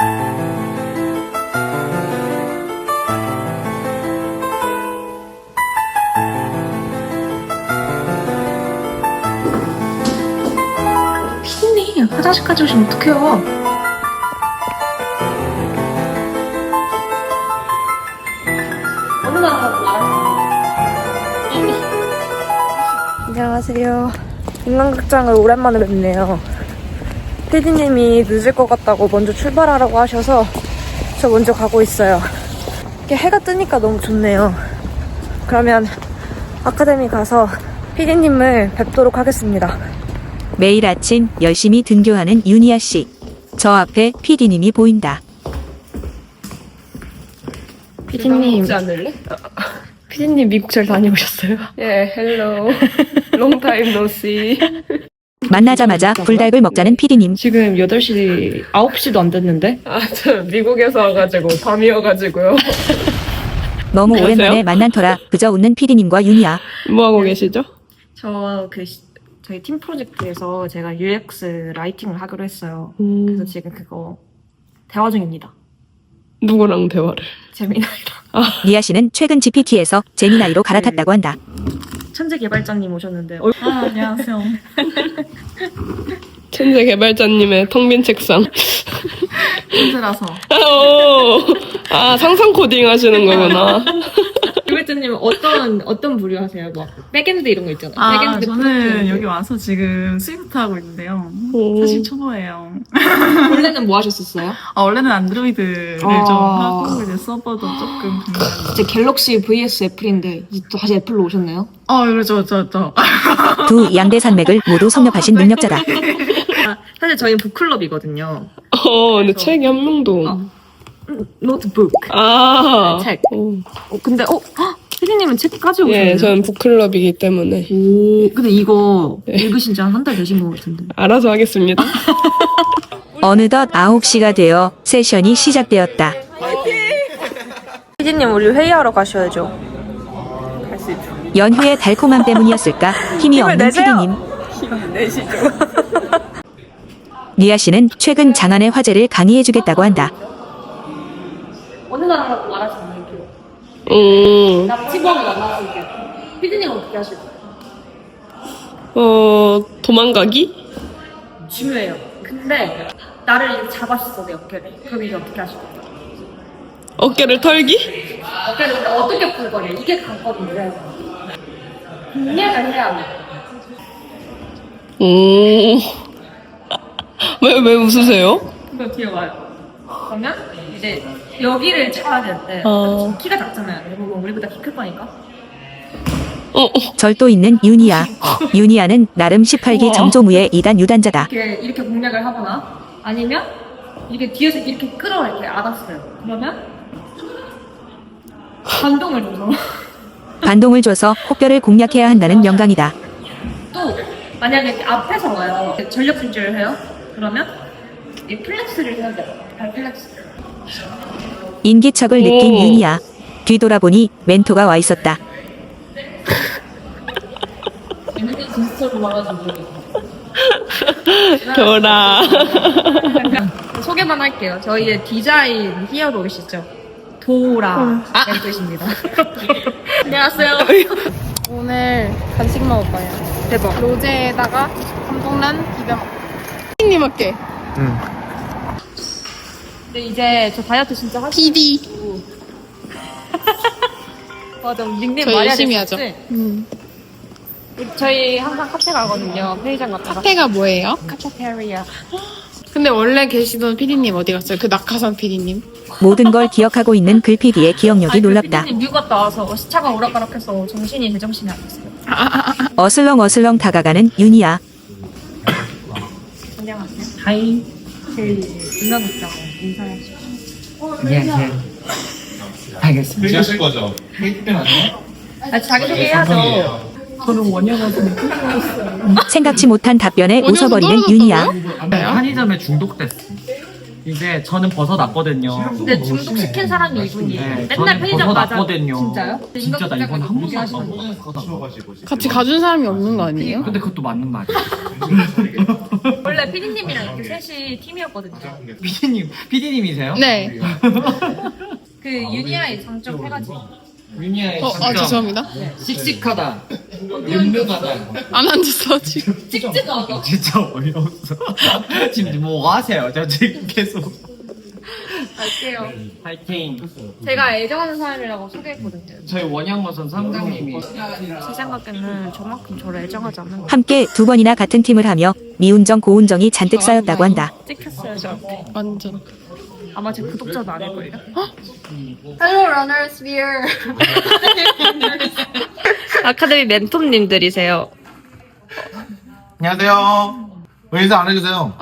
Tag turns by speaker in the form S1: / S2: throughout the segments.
S1: 피디님, 화장실까지 오시면 어떡해요? 안녕하세요. 인간극장을 오랜만에 뵙네요. 피디님이 늦을 것 같다고 먼저 출발하라고 하셔서 저 먼저 가고 있어요. 이렇게 해가 뜨니까 너무 좋네요. 그러면 아카데미 가서 피디님을 뵙도록 하겠습니다.
S2: 매일 아침 열심히 등교하는 윤희아 씨. 저 앞에 PD님이 보인다.
S1: 피디님,
S3: 먹지 않을래?
S1: 피디님 미국 잘 다녀오셨어요?
S3: 예, 헬로. 롱 타임 노 씨.
S2: 만나자마자 불닭을 먹자는 PD님.
S1: 지금 8시, 9시도 안 됐는데?
S3: 아, 저 미국에서 와가지고 밤이어가지고요.
S2: 너무
S3: 안녕하세요.
S2: 오랜만에 만난 터라 그저 웃는 PD님과 윤희아.
S3: 뭐 하고 계시죠?
S1: 저희 팀 프로젝트에서 제가 UX 라이팅을 하기로 했어요. 그래서 지금 그거 대화 중입니다.
S3: 누구랑 대화를?
S1: 재미나이랑.
S2: 리아 씨는 최근 GPT에서 제미나이로 갈아탔다고 한다.
S1: 천재 개발자님 오셨는데. 안녕하세요.
S3: 천재 개발자님의 텅빈 책상.
S1: 천재라서.
S3: 아, 상상 코딩 하시는 거구나.
S1: 개발자님 어떤 부류 하세요? 뭐 백엔드 이런 거 있잖아요.
S4: 아,
S1: 백엔드
S4: 저는
S1: 프론트엔드.
S4: 여기 와서 지금 스위프트 하고 있는데요.
S3: 오.
S4: 사실 초보예요.
S1: 원래는 뭐 하셨었어요?
S4: 원래는 안드로이드를 좀 하고 이제 서버도 조금 분야는.
S1: 이제 갤럭시 vs 애플인데 이제 또 다시 애플로 오셨나요?
S4: 그렇죠, 저.
S2: 두 양대 산맥을 모두 섭렵하신 능력자다.
S1: 사실 저희는 북클럽이거든요.
S3: 근데 책이 한 명도.
S1: 노트북. 책.
S3: 오.
S1: 근데 피디님은 책 가지고 오셨네요.
S3: 예, 저는 북클럽이기 때문에.
S1: 근데 이거 읽으신 지 한 달 되신 것 같은데.
S3: 알아서 하겠습니다.
S2: 어느덧 9시가 되어 세션이 시작되었다.
S1: 피디님 우리 회의하러 가셔야죠.
S2: 연휴의 달콤함 때문이었을까 힘이
S1: 힘을
S2: 없는
S1: 내세요.
S2: PD님. 리아 씨는 최근 장안의 화제를 강의해주겠다고 한다.
S1: 어느 나라라고 말하지 않을게요. 나 직원을 만났을게요. 피디님은 어떻게 하실 거예요?
S3: 도망가기?
S1: 중요해요. 근데 나를 이렇게 잡았어 내 어깨를. 그럼 이제 어떻게 하실 거예요?
S3: 어깨를 털기?
S1: 어깨를 근데 어떻게 풀 거냐? 이게 관건인데. 공략을 해야 돼.
S3: 왜 웃으세요?
S1: 그거 뒤에 와요. 그러면 이제 여기를 잡아야 되는데 키가 작잖아요. 대부분 우리보다 키 클 거니까.
S2: 절도 있는 윤희아. 윤희아는 나름 18기 정조무의 2단 유단자다.
S1: 이렇게 공략을 하거나 아니면 이렇게 뒤에서 이렇게 끌어 이렇게 안았어요. 그러면 반동을 줘서
S2: 반동을 줘서 혹별을 공략해야 한다는 명강이다.
S1: 또 만약에 이렇게 앞에서 와요. 전력 질주를 해요. 그러면 이 플렉스를 해야 돼요. 발 플렉스.
S2: 인기척을 느낀 윤희아. 뒤돌아보니 멘토가 와 있었다.
S1: 얘네들 진짜로 와가지고
S3: 돌아.
S1: 소개만 할게요. 저희의 디자인 히어로이시죠. 도라 멘토이십니다. 안녕하세요.
S5: 오늘 간식 먹을 거예요.
S1: 대박.
S5: 로제에다가 감동란 비벼 먹고.
S3: 님 할게.
S1: 근데 이제 저 다이어트 진짜 하시.
S5: PD.
S1: 맞아. 닉네임
S5: 저
S1: 말해야
S5: 열심히
S1: 됐었지?
S5: 하죠.
S1: 저희 항상 카페 가거든요. 편의점 갔다가.
S5: 카페가 뭐예요?
S1: 카페테리아.
S5: 근데 원래 계시던 PD님 어디 갔어요? 그 낙하산 PD님?
S2: 모든 걸 기억하고 있는 글PD의 기억력이 놀랍다.
S1: 피디님 미국 갔다 와서 시차가 오락가락해서 정신이 제정신이 아니었어요.
S2: 어슬렁어슬렁 다가가는 윤희아.
S1: 안녕하세요. 하이. 제일 인간극장 인사해주세요.
S6: 예. 알겠습니다.
S7: 하실 거죠?
S1: 자기소개해야죠.
S2: 생각지 못한 답변에 웃어버리는 윤희아.
S6: 편의점에 중독됐어. 이제 저는 벗어났거든요.
S1: 근데 중독시킨 사람이 이분이에요.
S6: 네,
S1: 맨날
S6: 저는
S1: 편의점 가자.
S6: 벗어났거든요.
S1: 진짜요?
S6: 진짜 나 이번에 한 번도 안
S1: 하시는 거예요?
S6: 먹었어.
S5: 같이 가준 사람이 없는 거 아니에요?
S6: 근데 그것도 맞는 말이야.
S1: 원래 원래 피디님이랑 이렇게 셋이 팀이었거든요.
S6: PD님이세요?
S5: 네.
S1: 그 유니아의 장점 해가지고.
S6: 유니아의
S5: 죄송합니다.
S6: 씩씩하다. 늠름하다.
S5: 안 앉았어, 지금.
S1: 찍찍하다.
S6: 진짜 어이없어. 지금 뭐 하세요? 저 지금 계속.
S1: 갈게요.
S6: 파이팅.
S1: 제가 애정하는 사람이라고 소개했거든요.
S6: 저희 원양어선 상장님이
S1: 제 생각에는 저만큼 저를 애정하지 않는 거
S2: 함께 2번이나 같은 팀을 하며 미운정 고운정이 잔뜩 쌓였다고 한다.
S1: 찍혔어요 저한테.
S5: 완전.
S1: 아마 제 구독자도 아닐걸요? Hello runners here. 아카데미 멘토님들이세요.
S7: 안녕하세요. 왜 인사 안 해주세요?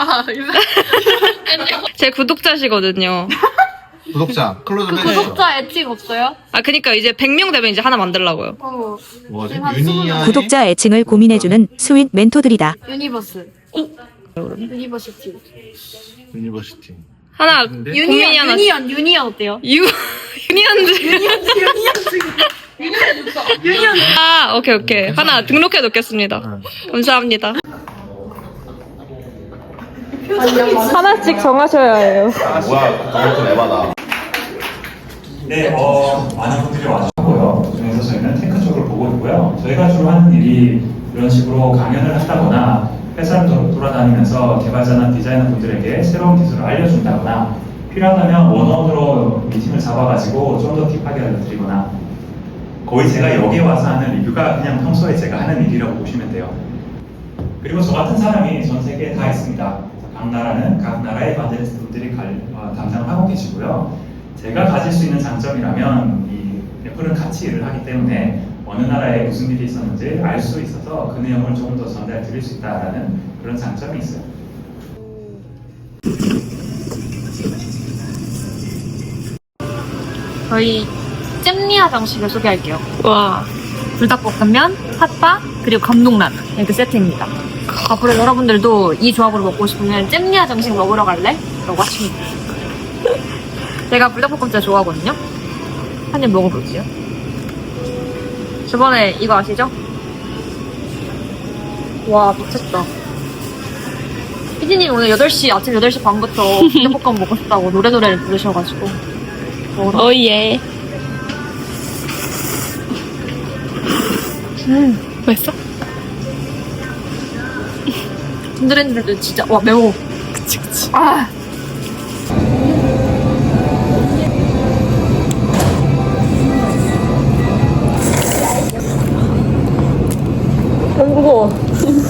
S1: 제 구독자시거든요.
S7: 구독자 클로즈 좀 해주세요.
S1: 애칭 없어요? 아 그니까 이제 100명 되면 이제 하나 만들려고요.
S7: 뭐지? 유니아의
S2: 구독자 애칭을 고민해주는 스윗 멘토들이다.
S1: 유니버스. 유니버시티.
S7: 유니버시티.
S1: 하나 고민이 하나. 유니언 어때요? 유니언즈. 유니언. 아 오케이. 하나 등록해 놓겠습니다. 감사합니다. 하나씩 정하셔야 해요.
S7: 뭐야? 너무 좀 에바다.
S8: 네, 많은 분들이 와주셨고요. 그중에서 저희는 테크 쪽을 보고 있고요. 저희가 주로 하는 일이 이런 식으로 강연을 한다거나 회사를 돌아다니면서 개발자나 디자이너 분들에게 새로운 기술을 알려준다거나 필요하다면 원원으로 미팅을 잡아가지고 좀 더 딥하게 알려드리거나 거의 제가 여기에 와서 하는 리뷰가 그냥 평소에 제가 하는 일이라고 보시면 돼요. 그리고 저 같은 사람이 전 세계에 다 있습니다. 각 나라는 각 나라의 바젤리스트 분들이 담당을 하고 계시고요. 제가 가질 수 있는 장점이라면 이 애플은 같이 일을 하기 때문에 어느 나라에 무슨 일이 있었는지 알 수 있어서 그 내용을 조금 더 전달 드릴 수 있다는 그런 장점이 있어요.
S1: 저희 잼리아 방식을 소개할게요. 와. 불닭볶음면, 핫바, 그리고 감동라면 이렇게 세트입니다. 앞으로 여러분들도 이 조합으로 먹고 싶으면 잼리아 정식 먹으러 갈래? 라고 하시면 돼요. 제가 불닭볶음 진짜 좋아하거든요. 한 입 먹어볼게요. 저번에 이거 아시죠? 와 미쳤다. 피디님 오늘 8시 아침 8시 반부터 불닭볶음 먹고 싶다고 노래를 부르셔가지고
S3: 오예. 맛있어?
S1: 흔들흔들도 진짜 와 매워.
S3: 그치.
S1: 아. 너무 무거워.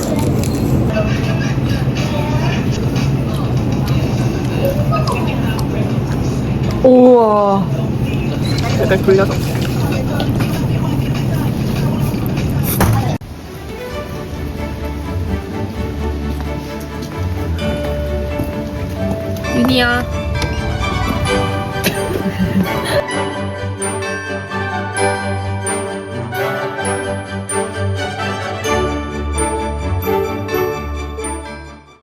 S1: 우와.
S3: 약간 돌려서.
S1: 유니야.